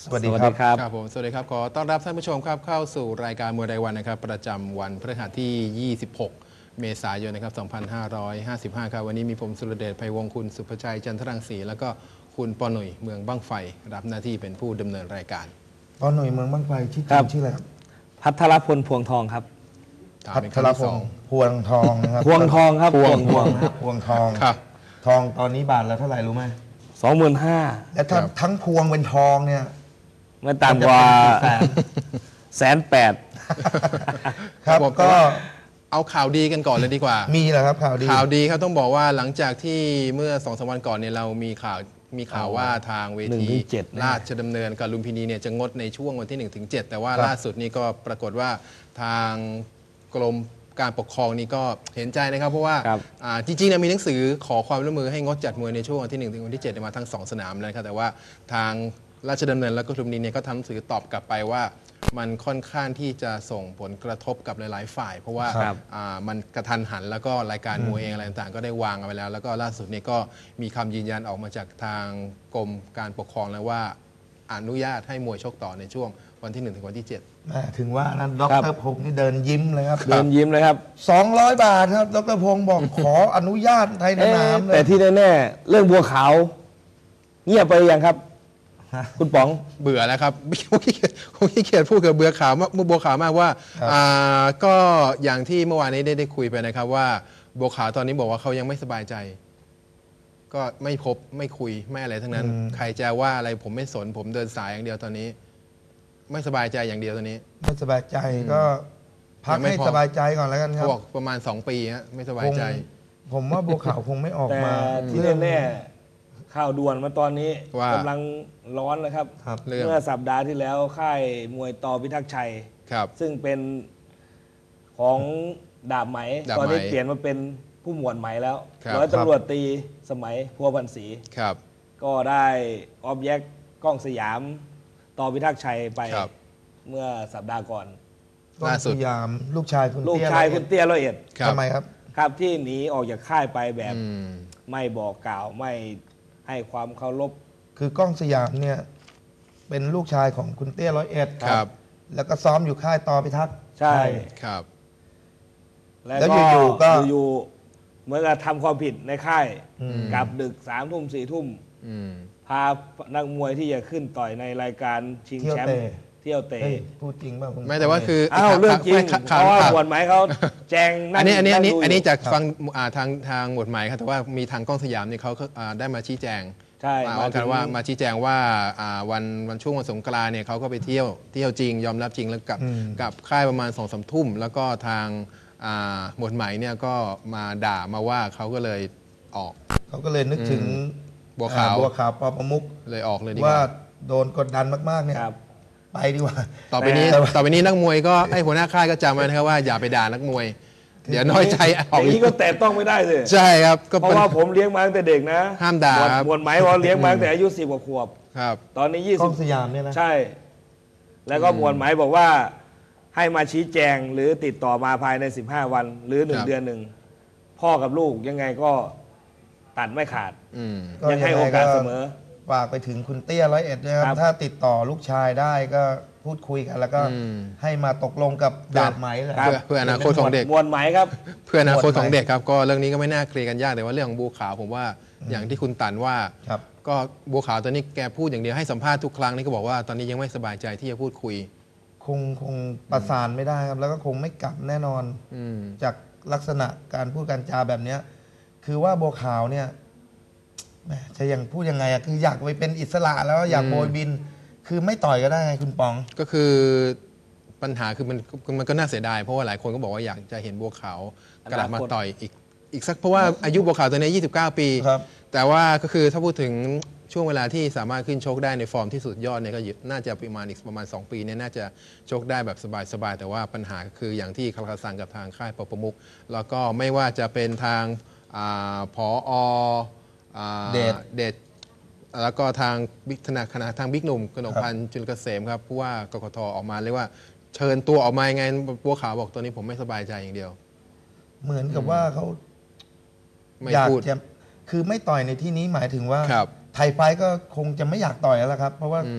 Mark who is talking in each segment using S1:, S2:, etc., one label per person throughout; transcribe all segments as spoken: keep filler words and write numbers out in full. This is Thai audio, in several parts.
S1: สวัสดีครับ
S2: ครับผมสวัสดีครับขอต้อนรับท่านผู้ชมครับเข้าสู่รายการมวยรายวันนะครับประจำวันพฤหัสที่ ยี่สิบหก เมษายนนะครับ สองพันห้าร้อยห้าสิบห้า ครับวันนี้มีผมสุรเดช ไพวงศ์คุณสุภชัย จันทรังสีแล้วก็คุณปอหนุ่ยเมืองบ้างไฟรับหน้าที่เป็นผู้ดำเนินรายการ
S1: ปอหนุ่ยเมืองบ้างไฟชื่อจ
S3: ครั
S1: ริ
S3: บ
S1: งชื่ออะไรครับ
S3: พัทรพลพวงทองครับ
S2: ถาม
S1: พั
S2: เป็น
S1: ท
S2: ครั้ง
S1: ร
S2: ที่
S1: พ
S2: สอง
S1: งศ์พวงทองนะครับ
S3: พวงทองครับ
S2: พวง
S3: พวง
S1: ครับพวงทอง
S2: ครับ
S1: ทองตอนนี้บาทละเท่าไหร่รู้ไหม
S3: สองหมื่นห้า
S1: และถ้า
S2: ครับ
S1: ทั้งพวงเป็นทองเนี่ย
S3: ไม่ต่ำกว่า
S1: มันจะเป็นกี่แสน
S3: แสนแปด
S1: ครับ
S2: ผม
S1: ก็
S2: เอาข่าวดีกันก่อนเลยดีกว่า
S1: มีแหละครับข่าวดี
S2: ข่าวดีครับต้องบอกว่าหลังจากที่เมื่อสองสามวันก่อนเนี่ยเรามีข่าวมีข่าวว่าทางเว
S3: หนึ่ง
S2: ที
S3: ถึงเจ็ดนะ
S2: ราชดำเนินกับลุมพินีเนี่ยจะงดในช่วงวันที่หนึ่งถึงเจ็ดแต่ว่า
S1: ครับ
S2: ล่าสุดนี่ก็ปรากฏว่าทางกรมการปกครองนี่ก็เห็นใจนะครับเพราะว่า
S3: ครับ
S2: อ่าจริงๆเนี่ยมีหนังสือขอความร่วมมือให้งดจัดมวยในช่วงวันที่หนึ่งถึงวันที่เจ็ดมาทั้งสองสนามเลยนะครับแต่ว่าทางราชดำเนินและก็ลุมพินีเนี่ยก็ทำหนังสือตอบกลับไปว่า มันค่อนข้างที่จะส่งผลกระทบกับหลายๆ ฝ่าย เพราะว่า
S3: ครับ
S2: อ่ามันกระทันหันแล้วก็รายการมวยเองอะไรต่างๆ ก็ได้วางเอาไว้แล้ว แล้วก็ล่าสุดนี้ก็มีคำยืนยันออกมาจากทางกรมการปกครองแล้วว่าอนุญาตให้มวยชกต่อในช่วงวันที่หนึ่งถึงวันที่เจ็ด
S1: แม่ถึงว่านั้นด
S3: ครับ
S1: รพงศ์นี่เดินยิ้มเลยครับ
S3: เดินยิ้มเลยครับ
S1: สองร้อยบาทครับดรพงศ์บอก ขออนุญาตไทยส
S3: เอ๊ะ
S1: นามเล
S3: แต่
S1: ย
S3: ที่แน่ๆเรื่องบัวขาว เงียบไปยังครับ
S1: ฮะ
S3: คุณป๋อง
S2: เบื่อแล้วครับ ผมขี้เกียจผมขี้เกียจพูดกับเบื่อขาวมากบัวขาวมากว่า
S1: ครับ
S2: อ่าก็อย่างที่เมื่อวานนี้ได้ได้คุยไปนะครับว่าบัวขาวตอนนี้บอกว่าเขายังไม่สบายใจ ก็ไม่พบไม่คุยไม่อะไรทั้งนั้น ใครจะว่าอะไรผมไม่สนผมเดินสายอย่างเดียวตอนนี้ ไม่สบายใจอย่างเดียวตอนนี้
S1: ไม่สบายใจก็พัก
S2: ยังไม่
S1: ให้
S2: พอ
S1: สบายใจก่อนแล้วกันค
S2: เขา
S1: รับ
S2: บอกประมาณสองปีฮะไม่สบาย
S1: คง
S2: ใจ
S1: ผมว่าบัวขาวคงไม่ออก
S3: แต่
S1: มา
S3: ที่
S1: เรื่อง
S3: แน่ๆข่าวด่วนมาตอนนี้
S2: ว่า
S3: กำลังร้อนนะครับ
S1: ครับ
S2: เรื่อง
S3: เมื่อสัปดาห์ที่แล้วค่ายมวยต่อพิทักษ์ชัย
S2: ครับ
S3: ซึ่งเป็นของดาบไหม
S2: ดาบไหม
S3: ตอนนี้เปลี่ยนมาเป็นผู้หมวดไหมแล้ว
S2: ครับ
S3: ร้อยตำรวจตีสมัยพัวพันศรี
S2: ครับ
S3: ก็ได้ออบแยกกล้องสยามต่อพิทักษ์ชัยไป
S2: ครับ
S3: เมื่อสัปดาห์ก่อน
S1: ก้อง
S2: ล่าสุด
S1: สยามลูกชายคุณ
S3: ลูก
S1: เตี้
S3: ชาย
S1: ร้อ
S3: คุ
S1: เอ็ด
S3: ณเตี้ยร้อยเอ็ด
S2: ครับ
S1: ทำไมครับ
S3: ครับที่หนีออกจากค่ายไปแบบ
S2: อืม
S3: ไม่บอกกล่าวไม่ให้ความเคารพ
S1: คือกล้องสยามเนี่ยเป็นลูกชายของคุณเตี้ยร้อยเอ็ด
S2: ครับ
S1: แล้วก็ซ้อมอยู่ค่ายต่อพิทักษ์
S3: ใช่
S2: ครับ
S3: แล้ว
S1: แล้ว
S3: ก็
S1: อยู่ๆก็
S3: อยู่ๆเหมื่อนกับทำความผิดในค่าย
S1: อืม
S3: กลับดึกสามทุ่มสี่ทุ่ม
S2: อืม
S3: พานักมวยที่จะขึ้นต่อยในรายการชิง
S1: เที่ยว
S3: แชม
S1: เตะ
S3: ป์เที่ยวเตะ
S1: เฮ้ยพูดจริงป่ะคุณ
S2: ไม่แต่ว่าคือ
S3: อ้าวเรื่องจริง
S2: ไม่
S3: เพ
S2: ข่าว
S3: ราะว่า
S2: ข่าว
S3: หมวดหมายเขาแจง
S2: อันนี้อันนี้อันนี้
S3: งดู
S2: อันนี้
S3: ยู่
S2: จากฟังอ่าทางทางหมวดหมายครับแต่ว่ามีทางกล้องสยามเนี่ยเขาอ่าได้มาชี้แจง
S3: ใช่
S2: มา
S3: มา
S2: ว่า
S3: ถึ
S2: กัน
S3: ง
S2: ว่ามาชี้แจงว่าอ่าวันวันช่วงวันสงกรานต์เนี่ยเขาก็ไปเที่ยวเที่ยวจริง ยอมรับจริงแล้วกลับ
S1: อืม
S2: กลับค่ายประมาณสองสามทุ่ม แล้วก็ทางอ่าหมวดหมายเนี่ยก็มาด่ามาว่าเขาก็เลยออก
S1: เขาก็เลยนึกถึง
S2: บัวขาว
S1: อ่บัวขาวปอประมุก
S2: เลยออกเลยดีก
S1: ว่า
S2: ว่า
S1: โดนกดดันมากๆเนี่ย
S3: ครับ
S1: ไปดีกว่า
S2: ต่อไปนี้
S1: แต่
S2: ต่อไปนี้นักมวยก็ไอ้หัวหน้าค่ายก็จำไว้นะครับว่าอย่าไปด่านักมวย เดี๋ยวน้อยใจอ
S3: อ
S2: อก
S3: ย่าง
S2: อี
S3: นี้
S2: ก
S3: ก็แตะต้องไม่ได้สิ
S2: ใช่ครับก็
S3: เพ
S2: เป็น
S3: ราะว่าผมเลี้ยงมาตั้งแต่เด็กนะ
S2: ห้ามด่า
S3: หมวด
S2: ครับ
S3: หมวดหมายว่าเลี้ยงมาตั้งแต่อายุสิบกว่าขวบ
S2: ครับ
S3: ตอนนี้ยี่
S1: ก
S3: สิ
S1: ล้อบ งสยามเนี่ยนะ
S3: ใช่ แล้วก็หมวดหมายบอกว่าให้มาชี้แจงหรือติดต่อมาภายในสิบห้าวัน หรือหนึ่
S2: ค
S3: ง
S2: รับ
S3: เดือนหนึ่งพ่อกับลูกยังไงก็ตัดไม่ขาด
S2: อืม
S1: ก็
S3: ยังให้โอกาสเสมอ
S1: ฝากไปถึงคุณเตี้ยร้อยเอ็ดด้วยค
S3: ครั
S1: รับ
S3: บ
S1: ถ้าติดต่อลูกชายได้ก็พูดคุยกัน แล้วก็
S2: อืม
S1: ให้มาตกลงกับดาบไหมเลย
S2: เพื่อเพื่ออนาคตของเด็ก
S3: หมวดหมายครับ
S2: เพื่ออนาคต
S1: หมวดหมาย
S2: ของเด็กครับก็เรื่องนี้ก็ไม่น่าเคลียร์กันยากแต่ว่าเรื่องของบัวขาวผมว่าอย่างที่คุณตันว่า
S1: ครับ
S2: ก็บัวขาวตอนนี้แกพูดอย่างเดียวให้สัมภาษณ์ทุกครั้งนี่ก็บอกว่าตอนนี้ยังไม่สบายใจที่จะพูดคุย
S1: คงคงประสานไม่ได้ครับ แล้วก็คงไม่กลับแน่นอน
S2: อืม
S1: จากลักษณะการพูดการจาแบบเนี้ยคือว่าบัวขาวเนี่ยแหมจะยังพูดยังไงอะคืออยากไปเป็นอิสระแล้วอยาก
S2: อืม
S1: โบยบิน คือไม่ต่อยก็ได้ไงคุณปอง
S2: ก็คือปัญหาคือมันมันก็น่าเสียดายเพราะว่าหลายคนก็บอกว่าอยากจะเห็นบัวขาวกลับมาต่อยอีกอีกสักเพราะว่าอายุบัวขาวตอนนี้ยี่สิบเก้า ปี
S1: ครับ
S2: แต่ว่าก็คือถ้าพูดถึงช่วงเวลาที่สามารถขึ้นชกได้ในฟอร์มที่สุดยอดเนี่ยก็อยู่น่าจะประมาณอีกประมาณ สอง ปีเนี่ยน่าจะชกได้แบบสบายๆแต่ว่าปัญหาคืออย่างที่คาราซังกับทางค่ายปปมุกแล้วก็ไม่ว่าจะเป็นทางอาผออ่า
S1: เดช
S2: เดชแล้วก็ทางบิ๊กธนาคณะทางบิ๊กหนุ่มกนกพันธ์จุลเกษมครับผู้ว่ากกทออกมาเรียกว่าเชิญตัวออกมายังไงบัวขาวบอกตัวนี้ผมไม่สบายใจอย่างเดียว
S1: เหมือนกับว่าเขา
S2: ไม่
S1: อยาก
S2: พูด
S1: จะคือไม่ต่อยในที่นี้หมายถึงว่า
S2: ครับ
S1: ไทยไฟท์ก็คงจะไม่อยากต่อยแล้วล่ะครับ เพราะว่า
S2: อืม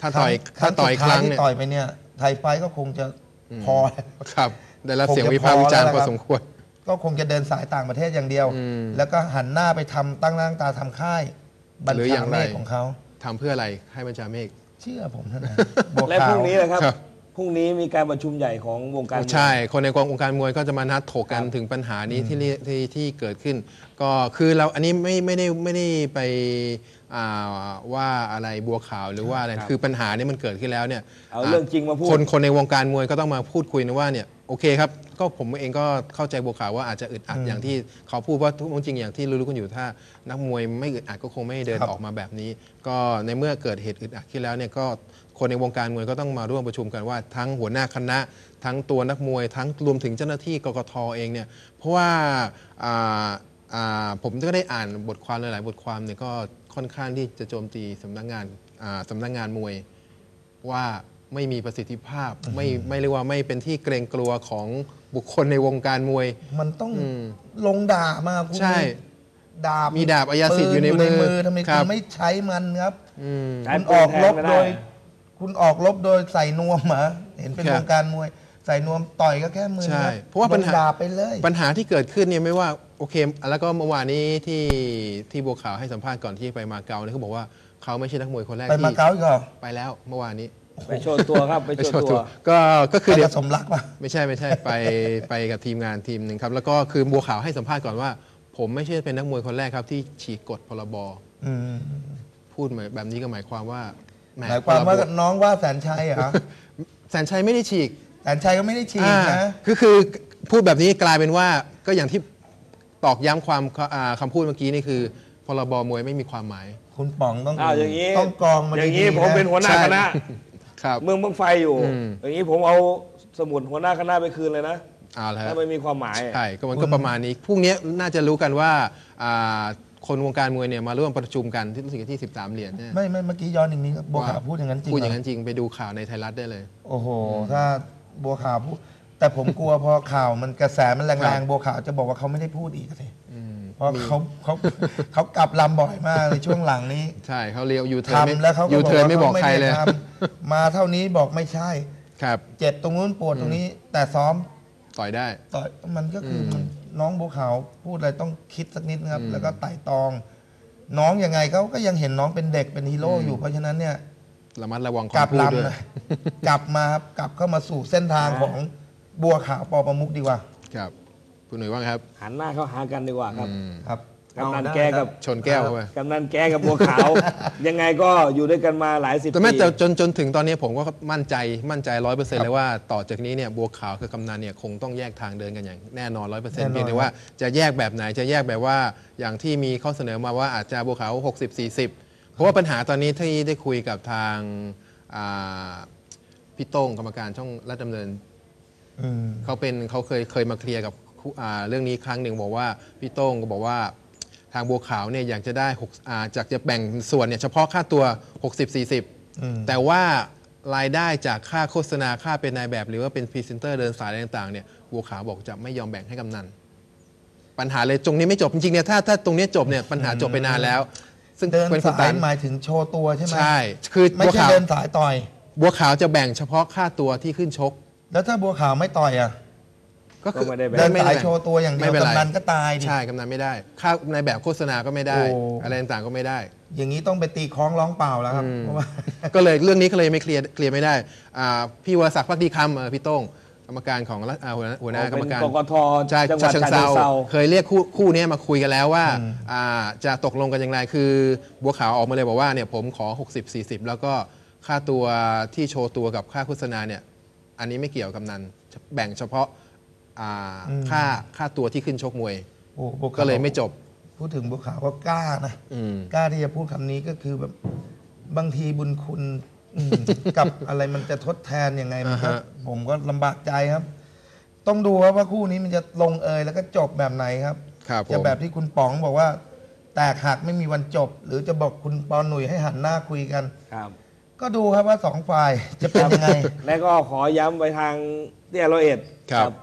S2: ถ้าต่อย
S1: ครั้
S2: ถ้าง ต่อย
S1: สุด
S2: ค
S1: ท้าย
S2: รั้ง
S1: ที่
S2: เนี่ย
S1: ต่อยไปเนี่ยไทยไฟท์ก็คงจะพอ
S2: ครับได้รับ
S1: คงจะ
S2: เสียงวิพากษ์วิจารณ์
S1: พ
S2: พ
S1: อ
S2: อ
S1: แล้ว
S2: สมควร
S1: ก็คงจะเดินสายต่างประเทศอย่างเดียว
S2: อืม
S1: แล้วก็หันหน้าไปทำตั้งหน้าตั้งตาทำค่ายบัญ
S2: หรืออ
S1: ชา
S2: ย่าง
S1: เม
S2: ไร
S1: ฆของเขา
S2: ทำเพื่ออะไรให้บัญชาเมฆ
S1: เชื่อผมเท่านั้นบัว
S3: และ
S1: ขา
S3: พ
S1: ว
S3: รุ่งนี้นะครับ
S2: ครับ
S3: พรุ่งนี้มีการประชุมใหญ่ของวงการมวย
S2: ใช่ คนในกององค์การมวยก็จะมานัดถกกัน
S3: ครับ
S2: ถึงปัญหานี้ที่เรียที่ที่เกิดขึ้น ก็คือเราอันนี้ไม่ไม่ได้ไม่ได้ไปอ่าว่าอะไรบัวขาวหรือว่าอะไร
S3: ครับ
S2: คือปัญหานี้มันเกิดขึ้นแล้วเนี่ย
S3: เอาเรื่องจริงมาพูด
S2: คนคนในวงการมวยก็ต้องมาพูดคุยนะว่าเนี่ยโอเคครับก็ผมเองก็เข้าใจบัวขาวว่าอาจจะอึดอัดอย่างที่เขาพูดว่าทุกจริงอย่างที่รู้ๆกันอยู่ถ้านักมวยไม่อึดอัดก็คงไม่เดิน
S1: ครับ
S2: ออกมาแบบนี้ ก็ในเมื่อเกิดเหตุอึดอัดขึ้นแล้วเนี่ยก็คนในวงการมวยก็ต้องมาร่วมประชุมกันว่าทั้งหัวหน้าคณะ ทั้งตัวนักมวย ทั้งรวมถึงเจ้าหน้าที่กกตเองเนี่ยเพราะว่าอ่าอ่าผมก็ได้อ่านบทความหลายๆบทความเนี่ยก็ค่อนข้างที่จะโจมตีสำนักงานอ่าสำนักงานมวย ว่าไม่มีประสิทธิภาพไม่ไม่เรียกว่าไม่เป็นที่เกรงกลัวของบุคคลในวงการมวย
S1: มันต้อง
S2: อืม
S1: ลงดาบมาคุณ
S2: ใช่
S1: ดาบ
S2: มีดาบอัยสิทธิ์อยู่ใน
S1: ปื
S2: มือ
S1: ทำไม
S2: ครั
S1: คุ
S2: บ
S1: ณไม่ใช้มันครับ
S2: อืม
S3: ใช้
S1: คุณ
S3: ปื
S1: อน อก
S3: แทน
S1: รบ
S3: ไม่
S1: โด
S3: ได้
S1: ย คุณออกรบโดยใส่นวมเหรอเห็นเป็น
S2: ครับ
S1: วงการมวย ใส่นวมต่อยก็แค่มือ
S2: ใช่
S1: ครับ
S2: เพราะว่าปัญหา
S1: ลงดาบไปเลย
S2: ปัญหาที่เกิดขึ้นเนี่ยไม่ว่าโอเค แล้วก็เมื่อวานนี้ที่ที่บัวขาวให้สัมภาษณ์ก่อนที่ไปมาเก๊าเนี่ยเขาบอกว่าเขาไม่ใช่นักมวยคนแรก
S1: ไปมา
S2: ที่
S1: เก๊าอีกเหรอ
S2: ไปแล้วเมื่อวานนี้
S3: ไปโชว์ตัวครับ ไปโชว์ตัว
S2: ก็ก็คือ
S1: ไป
S2: เดี๋ย
S1: กั
S2: ว
S1: บสมรักป่ะ
S2: ไม่ใช่ไม่ใช่ไปไปกับทีมงานทีมหนึ่งครับ แล้วก็คือบัวขาวให้สัมภาษณ์ก่อนว่า ผมไม่ใช่เป็นนักมวยคนแรกครับที่ฉีกกฎพรบ
S1: อืม
S2: พูดแบบนี้ก็หมายความว่าแ
S1: หมายความว่า
S2: พรบ
S1: น้องว่าแสนชัยเหรอ
S2: แสนชัยไม่ได้ฉีก
S1: แสนชัยก็ไม่ได้ฉีก
S2: อ่า
S1: นะ
S2: คือคือพูดแบบนี้กลายเป็นว่าก็อย่างที่ตอกย้ำความอ่าคำพูดเมื่อกี้นี่คือพรบมวยไม่มีความหมาย
S1: คุณป๋องต้อง
S3: อ้าวอย่างนี้
S1: ต้องกรองมา
S3: อย่างนี้
S1: ดีๆ
S3: ผมเป็นหัวหน้า
S2: ใช่
S3: คณะ
S2: ครับ
S3: เมืองบังไฟอยู่
S2: อืม
S3: อย่างนี้ผมเอาสมุดหัวหน้าคณะไปคืนเลยนะ
S2: เอาละ
S3: ถ้าไม่มีความหมาย
S2: ใช่ก็มันก็ประมาณนี้พรุ่งนี้น่าจะรู้กันว่าอ่าคนวงการมวยเนี่ยมาร่วมประชุมกันที่รู้สึกที่สิบสามเหรียญเนี่ย
S1: ไม่ไม่เมื่อกี้ย้อนอีกนิดครับบัวขาวพูดอย่างนั้นจริง
S2: พูด
S1: เห
S2: อ
S1: ร
S2: ย่าง
S1: อ
S2: นั้นจริงไปดูข่าวในไทยรัฐได้เลย
S1: โอ้โห ถ้าบัวขาวพูด แต่ผมกลัวพอข่าวมันกระแสมัน
S2: ค
S1: แร
S2: รั
S1: ง
S2: บ
S1: ๆบัวขาวจะบอกว่าเขาไม่ได้พูดอีกสิ
S2: อืม
S1: เพราะเขาเขาเขากลับลำบ่อยมากในช่วงหลังนี้
S2: ใช่เขาเรียกยูเทิร์นไม่
S1: ทำแล้วเขาก็
S2: ยู
S1: บอก
S2: เทิร์น
S1: ว่า
S2: ไม่บอก
S1: เขา
S2: ใคร
S1: ไม่
S2: เล
S1: ได้
S2: ย
S1: ทำมาเท่านี้บอกไม่ใช่
S2: ครับ
S1: เจ็บตรงนู้นปวดตรงนี้ แต่ซ้อม
S2: ต่อยได้
S1: ต่อยมันก็คืออ
S2: ม
S1: มันน้องบัวขาวพูดอะไรต้องคิดสักนิดนะครับ
S2: อืม
S1: แล้วก็ไต่ตอง น้องยังไงเขาก็ยังเห็นน้องเป็นเด็กเป็นฮีโร่อยู่เพราะฉะนั้นเนี่ย
S2: ระมัดระวัง
S1: กลับ
S2: คำพูดด้วย
S1: ลำนะกลับมาครับกลับเข้ามาสู่เส้นทางของบัวขาวปอประมุกดีกว่า
S2: ครับคุณหนุ่ยว่าไงครับ
S3: หันหน้าเข้าหากันดีกว่าครับ
S2: อืม
S1: ครับ
S3: กำนัน
S1: เอาได้
S3: แกกับ
S2: ชนแก้วเข้าไป
S3: กำนันแกกับบัวขาว ยังไงก็อยู่ด้วยกันมาหลายสิบ
S2: แต่แม้
S3: ปี
S2: แต่จนจนถึงตอนนี้ผมก็มั่นใจมั่นใจร้อยเปอร์เซ็นต์เลยว่าต่อจากนี้เนี่ยบัวขาวกับกำนันเนี่ยคงต้องแยกทางเดินกันอย่างแน่นอนร้อยเปอร์เซ็นต์
S1: แน่นอน
S2: เพียงแต่ว่าจะแยกแบบไหนจะแยกแบบว่าอย่างที่มีข้อเสนอมาว่าอาจจะบัวขาวหกสิบ สี่สิบเพราะว่าปัญหาตอนนี้ที่ได้คุยกับทางอ่าพี่โต้งกรรมการช่องรัฐดำเนิน
S1: อืม
S2: เขาเป็นเขาเคยเคยมาเคลียร์กับคู่อ่าเรื่องนี้ครั้งหนึ่งบอกว่าพี่โต้งก็บอกว่าทางบัวขาวเนี่ยอยากจะได้หกอ่าจากจะแบ่งส่วนเนี่ยเฉพาะค่าตัว หกสิบ สี่สิบ
S1: อืม
S2: แต่ว่ารายได้จากค่าโฆษณาค่าเป็นนายแบบ หรือว่าเป็นพรีเซนเตอร์เดินสายอะไรต่างๆเนี่ยบัวขาวบอกจะไม่ยอมแบ่งให้กำนันปัญหาเลยตรงนี้ไม่จบจริงๆเนี่ยถ้าถ้าตรงนี้จบเนี่ยปัญหาจบไปนานแล้ว ซึ่ง
S1: เดิน
S2: เป็นคน
S1: สา
S2: ตาย ม
S1: หมายถึงโชว์ตัวใช่ไหม
S2: ใช่คือ
S1: ไม่
S2: บัว
S1: ใช่
S2: ขาว
S1: เดินสายต่อย
S2: บัวขาวจะแบ่งเฉพาะค่าตัวที่ขึ้นชก
S1: แล้วถ้าบัวขาวไม่ต่อยอ่ะ
S2: ก็คือ
S3: ก็ไม่ได้แบ่ง
S1: เดิน
S2: ไม่
S1: สา
S2: ได้
S1: ย
S2: แบ่ง
S1: โชว์ตัวอย่างเดียว
S2: ไม่เป็นไร
S1: กำนันก็ตายดิ
S2: ใช่กำนันไม่ได้ ค่าในแบบโฆษณาก็ไม่ได้
S1: โอ้
S2: อะไรต่างๆก็ไม่ได้
S1: อย่างนี้ต้องไปตีคล้องร้องเปล่าแล้วครับ
S2: อืม
S1: เพราะว่า
S2: ก็เลยเรื่องนี้ก็เลยไม่เคลียร์เคลียร์ไม่ได้อ่าพี่วรศักดิ์พักดีคำเอ่อพี่โต้งกรรมการของรัฐอ่าหัวหน้าหัวหน้ากรรมการ
S3: เป็นกกท
S2: ใช่
S3: จังหวัด
S2: ฉะเชิง
S3: ฉะเชิง
S2: เซา
S3: เทรา
S2: เคยเรียกคู่คู่นี้มาคุยกันแล้วว่า
S1: อืม
S2: อ่าจะตกลงกันอย่างไรคือบัวขาวออกมาเลยบอกว่าเนี่ยผมขอ หกสิบ สี่สิบ แล้วก็ค่าตัวที่โชว์ตัวกับค่าโฆษณาเนี่ยอันนี้ไม่เกี่ยวกับกำนันแบ่งเฉพาะอ่าค่าค่าตัวที่ขึ้นชกมวย
S1: โอ้บัวขาว
S2: ก็เลยไม่จบ
S1: พูดถึงบัวขาวก็กล้านะ
S2: อืม
S1: กล้าที่จะพูดคำนี้ก็คือแบบบางทีบุญคุณอืม กับอะไรมันจะทดแทนยังไงมันก็
S2: อ่าฮะ
S1: ผมก็ลำบากใจครับ ต้องดูครับว่าคู่นี้มันจะลงเอยแล้วก็จบแบบไหนครับ
S2: ครับผ
S1: จะ
S2: ม
S1: แบบที่คุณป๋องบอกว่า แตกหักไม่มีวันจบ หรือจะบอกคุณปอหนุ่ยให้หันหน้าคุยกัน
S3: ครับ
S1: ก็ดูครับว่าสองฝ่ายจะเป็นยังไง
S3: และก็ขอย้ำไปทางเตี้ยร้อยเอ็ด
S2: ครับ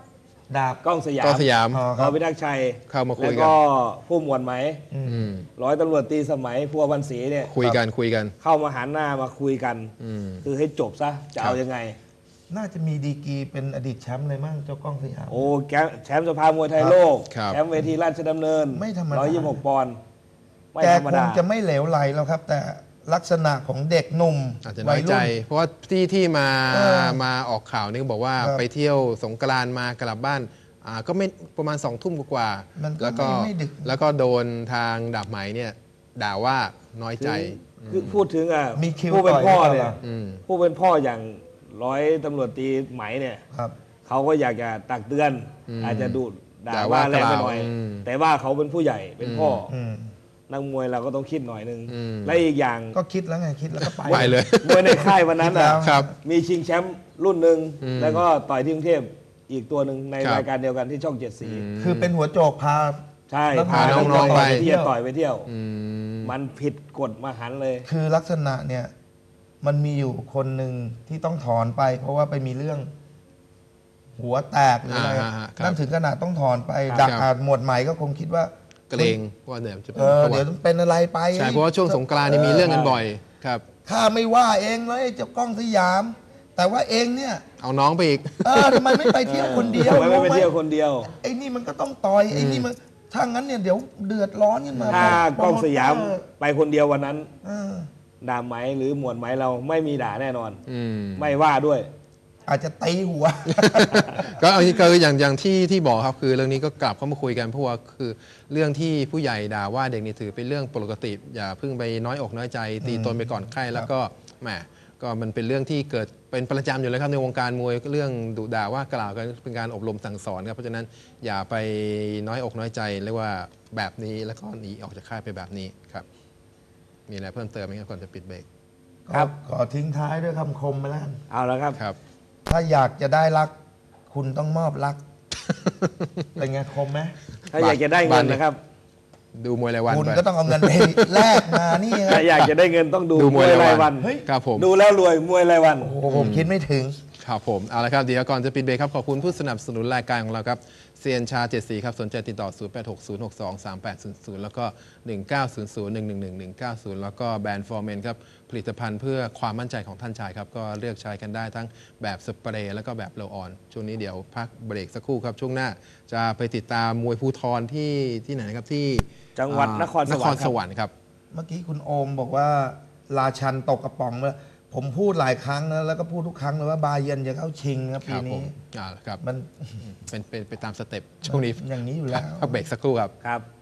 S1: ดาบ
S3: กล้องสยาม
S2: กล้องสยาม
S1: อ๋อค
S3: ร
S1: รั
S3: อบ พิทักษ์ชัย
S2: เข้ามาคุ
S3: แล้
S2: ยว กัน
S3: ก็ผู้หมวดไหม
S2: อืม
S3: ร้อยตำรวจตรีสมัยพัวพันศรีเนี่ย
S2: คุยกันคุยกัน
S3: เข้ามาหันหน้ามาคุยกัน
S2: อืม
S3: คือให้จบซะจะเอา
S2: ครับ
S3: ยังไง
S1: น่าจะมีดีกรีเป็นอดีตแชมป์เลยมั้งเจ้ากล้องสยาม
S3: โอ้แกแชมป์สภามวยไทยโลก
S2: ครับ
S3: แชมป์เวทีราชดำเนิน
S1: ไม่ธรรมดา
S3: ร้อยยี่สิบหกปอนด์ไม่
S1: แก
S3: ธรรม
S1: ค
S3: ดาง
S1: จะไม่เหลวไหลแล้วครับ แต่ลักษณะของเด็กหนุ่ม
S2: อาจจะน้อยใจ
S1: รุ่น
S2: เพราะว่าที่ที่มา
S1: เออ
S2: มาออกข่าวนี่ก็บอกว่า
S1: ครับ
S2: ไปเที่ยวสงกรานต์มากลับบ้านอ่าก็ไม่ประมาณสองทุ่มกว่า
S1: มันก็
S2: แล้วก็
S1: ไม่ไม่ดึก
S2: แล้วก็โดนทางดาบไหมเนี่ยด่าว่าน้อยใจ
S3: คือคือพูดถึงอ่ะ
S1: มีคิว
S3: ผู้เป็นพ่อ
S1: ต่อยหรือ
S3: เนี่
S1: เป
S3: ย
S1: ล่า
S2: อืม
S3: ผู้เป็นพ่ออย่างร้อยตำรวจตรีไหมเนี่ย
S1: ครับ
S3: เขาก็อยากจะตักเตือน
S2: อืม
S3: อาจจะดูด่า
S2: ด่า
S3: ว่า
S2: ว่า
S3: แรงไปหน่อย
S2: กล่าวอืม
S3: แต่ว่าเขาเป็นผู้ใหญ่เป็นพ่ออ
S1: อืม
S3: นักมวยเราก็ต้องคิดหน่อยนึง
S2: อืม
S3: และอีกอย่าง
S1: ก็คิดแล้วไงคิดแล้วก็ไป
S2: ไปเลย
S3: มวยในค่ายวันนั้น
S1: คิดแล้
S3: น่ะ
S1: ว
S2: ครับ
S3: มีชิงแชมป์รุ่นหนึ่ง
S2: อืม
S3: แล้วก็ต่อยที่กรุงเทพอีกตัวหนึ่งใน
S2: ครับ
S3: รายการเดียวกันที่ช่องเจ็ดสี
S1: คือเป็นหัวโจกพา
S3: ใช่
S1: แล้ว
S3: พา
S1: พา
S3: น้
S2: น้
S3: อ
S2: อง ง
S3: ๆ
S2: ๆ
S3: ไป
S2: ไป
S3: เที่ยวต่อยไปเที่ยว
S2: อืม
S3: มันผิดกฎมหันต์เลย
S1: คือลักษณะเนี่ย มันมีอยู่คนหนึ่งที่ต้องถอนไป เพราะว่าไปมีเรื่อง หัวแตกหรืออะไร
S2: อ่าฮะครับ
S1: นั่นถึงขนาดต้องถอนไป
S2: ครับ
S1: ดักอาจหมวดใหม่ก็คงคิดว่า
S2: เกรงว่าเดี๋ยวจะเป็
S1: เอน อ
S2: ประวั
S1: เดี๋ยว
S2: ติ
S1: เป็นอะไรไป
S2: ใช่เพราะว่าช่วงสงกรานต์นี่มีเรื่องกันบ่อยครับ
S1: ข้าไม่ว่าเองเลยเจ้ากล้องสยาม แต่ว่าเองเนี่ย
S2: เอาน้องไปอีก
S1: เออทำไมไม่ไปเที่ยวคนเดียว
S3: ทำไมไม่ไป
S1: รู้ห
S3: เที่ยวคนเดียว
S1: ไอ้นี่มันก็ต้องต่อยไอ้นี่มันถ้างั้นเนี่ยเดี๋ยวเดือดร้อนขึ้นมา
S3: ถ้า
S1: โปร
S3: กล้อง
S1: โมเต
S3: สยาม
S1: เตอร์
S3: ไปคนเดียววันนั้น
S1: เออ
S3: ด่าไหมหรือหมวดไหมเราไม่มีด่าแน่นอน
S2: อืม
S3: ไม่ว่าด้วย
S1: อาจจะตีหัว
S2: ก็อันนี้ก็อย่างอย่างที่ที่บอกครับคือเรื่องนี้ก็กลับเข้ามาคุยกันเพราะว่าคือเรื่องที่ผู้ใหญ่ด่าว่าเด็กนี่ถือเป็นเรื่องปกติ อย่าเพิ่งไปน้อยอกน้อยใจ ตีตนไปก่อนใครแล้วก็แหมก็มันเป็นเรื่องที่เกิดเป็นประจำอยู่แล้วครับในวงการมวยเรื่องดุด่าว่ากล่าวกันเป็นการอบรมสั่งสอนครับเพราะฉะนั้นอย่าไปน้อยอกน้อยใจเรียกว่าแบบนี้แล้วก็หนีออกจากค่ายไปแบบนี้ครับมีอะไรเพิ่มเติมไหมครับก่อนจะปิดเบรก
S3: ครับ
S1: ขอทิ้งท้ายด้วยคำคมไปแล้วกัน
S3: เอาแล้วครับ
S2: ครับ
S1: ถ้าอยากจะได้รัก คุณต้องมอบรัก เป็นไงคมไหม
S3: ถ้าอยากจะได้เงินนะครับ
S2: ดูมวยรายวัน
S1: คุณ
S2: ไป
S1: ก็ต้องเอาเงินไปแลกมานี่ครั
S3: ถ้า
S1: บ
S3: อยากจะได้เงินต้องดู
S2: ดู
S3: ม
S2: ม
S3: ว
S2: วย ย
S3: ราร
S2: าย ยวั
S3: วัน
S2: น ครับผม
S3: ดูแล้วรวยมวยรายวัน
S1: โอ้โหผมคิดไม่ถึง
S2: ครับผมเอาละครับเดี๋ยวก่อนจะปิดเบรกครับขอบคุณผู้สนับสนุนรายการของเราครับเซียนชาเจ็ดสีครับสนใจติดต่อ ศูนย์ แปด หก ศูนย์ หก สอง สาม แปด ศูนย์ ศูนย์ แล้วก็ หนึ่ง เก้า ศูนย์ ศูนย์ หนึ่ง หนึ่ง หนึ่ง หนึ่ง เก้า ศูนย์ แล้วก็แบรนด์ฟอร์เมนครับผลิตภัณฑ์เพื่อความมั่นใจของท่านชายครับก็เลือกใช้กันได้ทั้งแบบสเปรย์แล้วก็แบบโรลออนช่วงนี้เดี๋ยวพักเบรกสักครู่ครับช่วงหน้าจะไปติดตามมวยภูทรที่ที่ไหนนะครับที่
S3: จังหวัด
S2: อ่าน
S3: ครสวรรค์
S2: นครสวรรค์ครับ
S1: เมื่อกี้คุณโอมบอกว่า ราชันตกกระป๋องเลยผมพูดหลายครั้งนะแล้วก็พูดทุกครั้งเลยว่าบาเยิร์นจะเข้าชิงครับ
S2: ค
S1: ปี
S2: รับผ
S1: นี้
S2: มอ่าครับ
S1: มัน
S2: เป็นเป็นไปตามสเต็ปช่วงนี้
S1: อย่างนี้อยู่แล้ว
S2: พักเบรกสักครู่ครับ
S3: ครับ